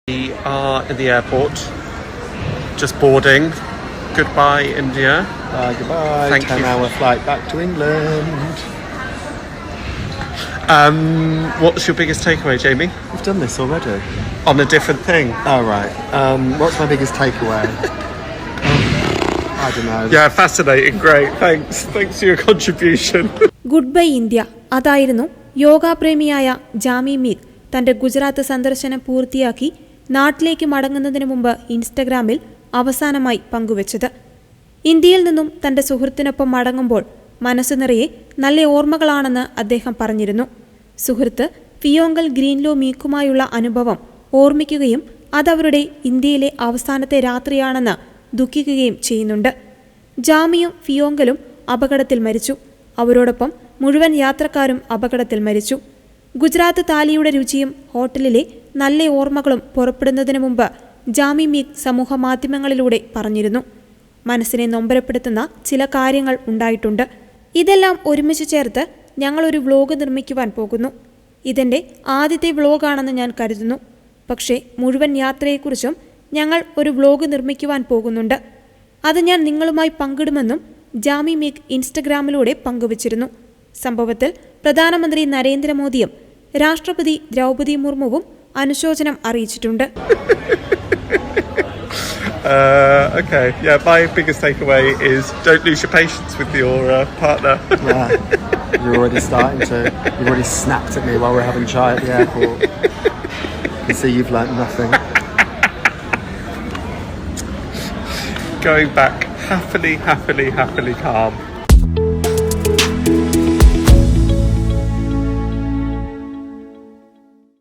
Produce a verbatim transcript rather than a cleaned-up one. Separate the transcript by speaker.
Speaker 1: We are in the airport, just boarding. Goodbye, India.
Speaker 2: Bye, goodbye.
Speaker 1: Thank
Speaker 2: Ten
Speaker 1: you.
Speaker 2: hour flight back to England.
Speaker 1: Um, what's your biggest takeaway, Jamie?
Speaker 2: We've done this already.
Speaker 1: On a different thing.
Speaker 2: Oh, right. Um, what's my biggest takeaway? I don't know.
Speaker 1: Yeah, fascinating. Great. Thanks. Thanks for your contribution.
Speaker 3: Good bye India അതായിരുന്നു യോഗാപ്രേമിയായ ജാമി മീഗ് തന്റെ ഗുജറാത്ത് സന്ദർശനം പൂർത്തിയാക്കി നാട്ടിലേക്ക് മടങ്ങുന്നതിന് മുമ്പ് ഇൻസ്റ്റഗ്രാമിൽ അവസാനമായി പങ്കുവച്ചത്. ഇന്ത്യയിൽ നിന്നും തന്റെ സുഹൃത്തിനൊപ്പം മടങ്ങുമ്പോൾ മനസ്സ് നിറയെ നല്ല ഓർമ്മകളാണെന്ന് അദ്ദേഹം പറഞ്ഞിരുന്നു. സുഹൃത്ത് ഫിയോങ്കൽ ഗ്രീൻലോ മീക്കുമായുള്ള അനുഭവം ഓർമ്മിക്കുകയും അതവരുടെ ഇന്ത്യയിലെ അവസാനത്തെ രാത്രിയാണെന്ന് ദുഃഖിക്കുകയും ചെയ്യുന്നുണ്ട്. ജാമിയും ഫിയോങ്കലും അപകടത്തിൽ മരിച്ചു. അവരോടൊപ്പം മുഴുവൻ യാത്രക്കാരും അപകടത്തിൽ മരിച്ചു. ഗുജറാത്ത് താലിയുടെ രുചിയും ഹോട്ടലിലെ നല്ല ഓർമ്മകളും പുറപ്പെടുന്നതിന് മുമ്പ് ജാമി മീഗ് സമൂഹ മാധ്യമങ്ങളിലൂടെ പറഞ്ഞിരുന്നു. മനസ്സിനെ നൊമ്പരപ്പെടുത്തുന്ന ചില കാര്യങ്ങൾ ഉണ്ടായിട്ടുണ്ട്. ഇതെല്ലാം ഒരുമിച്ച് ചേർത്ത് ഞങ്ങളൊരു വ്ലോഗ് നിർമ്മിക്കുവാൻ പോകുന്നു. ഇതെൻ്റെ ആദ്യത്തെ വ്ലോഗാണെന്ന് ഞാൻ കരുതുന്നു. പക്ഷേ മുഴുവൻ യാത്രയെക്കുറിച്ചും ഞങ്ങൾ ഒരു വ്ലോഗ് നിർമ്മിക്കുവാൻ പോകുന്നുണ്ട്. അത് ഞാൻ നിങ്ങളുമായി പങ്കിടുമെന്നും ജാമി മീഗ് ഇൻസ്റ്റഗ്രാമിലൂടെ പങ്കുവച്ചിരുന്നു. സംഭവത്തിൽ പ്രധാനമന്ത്രി നരേന്ദ്രമോദിയും രാഷ്ട്രപതി ദ്രൗപദി മുർമുവും അനുശോചനം അറിയിച്ചിട്ടുണ്ട്.
Speaker 1: Uh, okay, yeah, my biggest takeaway is don't lose your patience with your uh, partner.
Speaker 2: Yeah, you're already starting to. You've already snapped at me while we're having chai at the airport. You see, you've learnt nothing.
Speaker 1: Going back happily, happily, happily calm.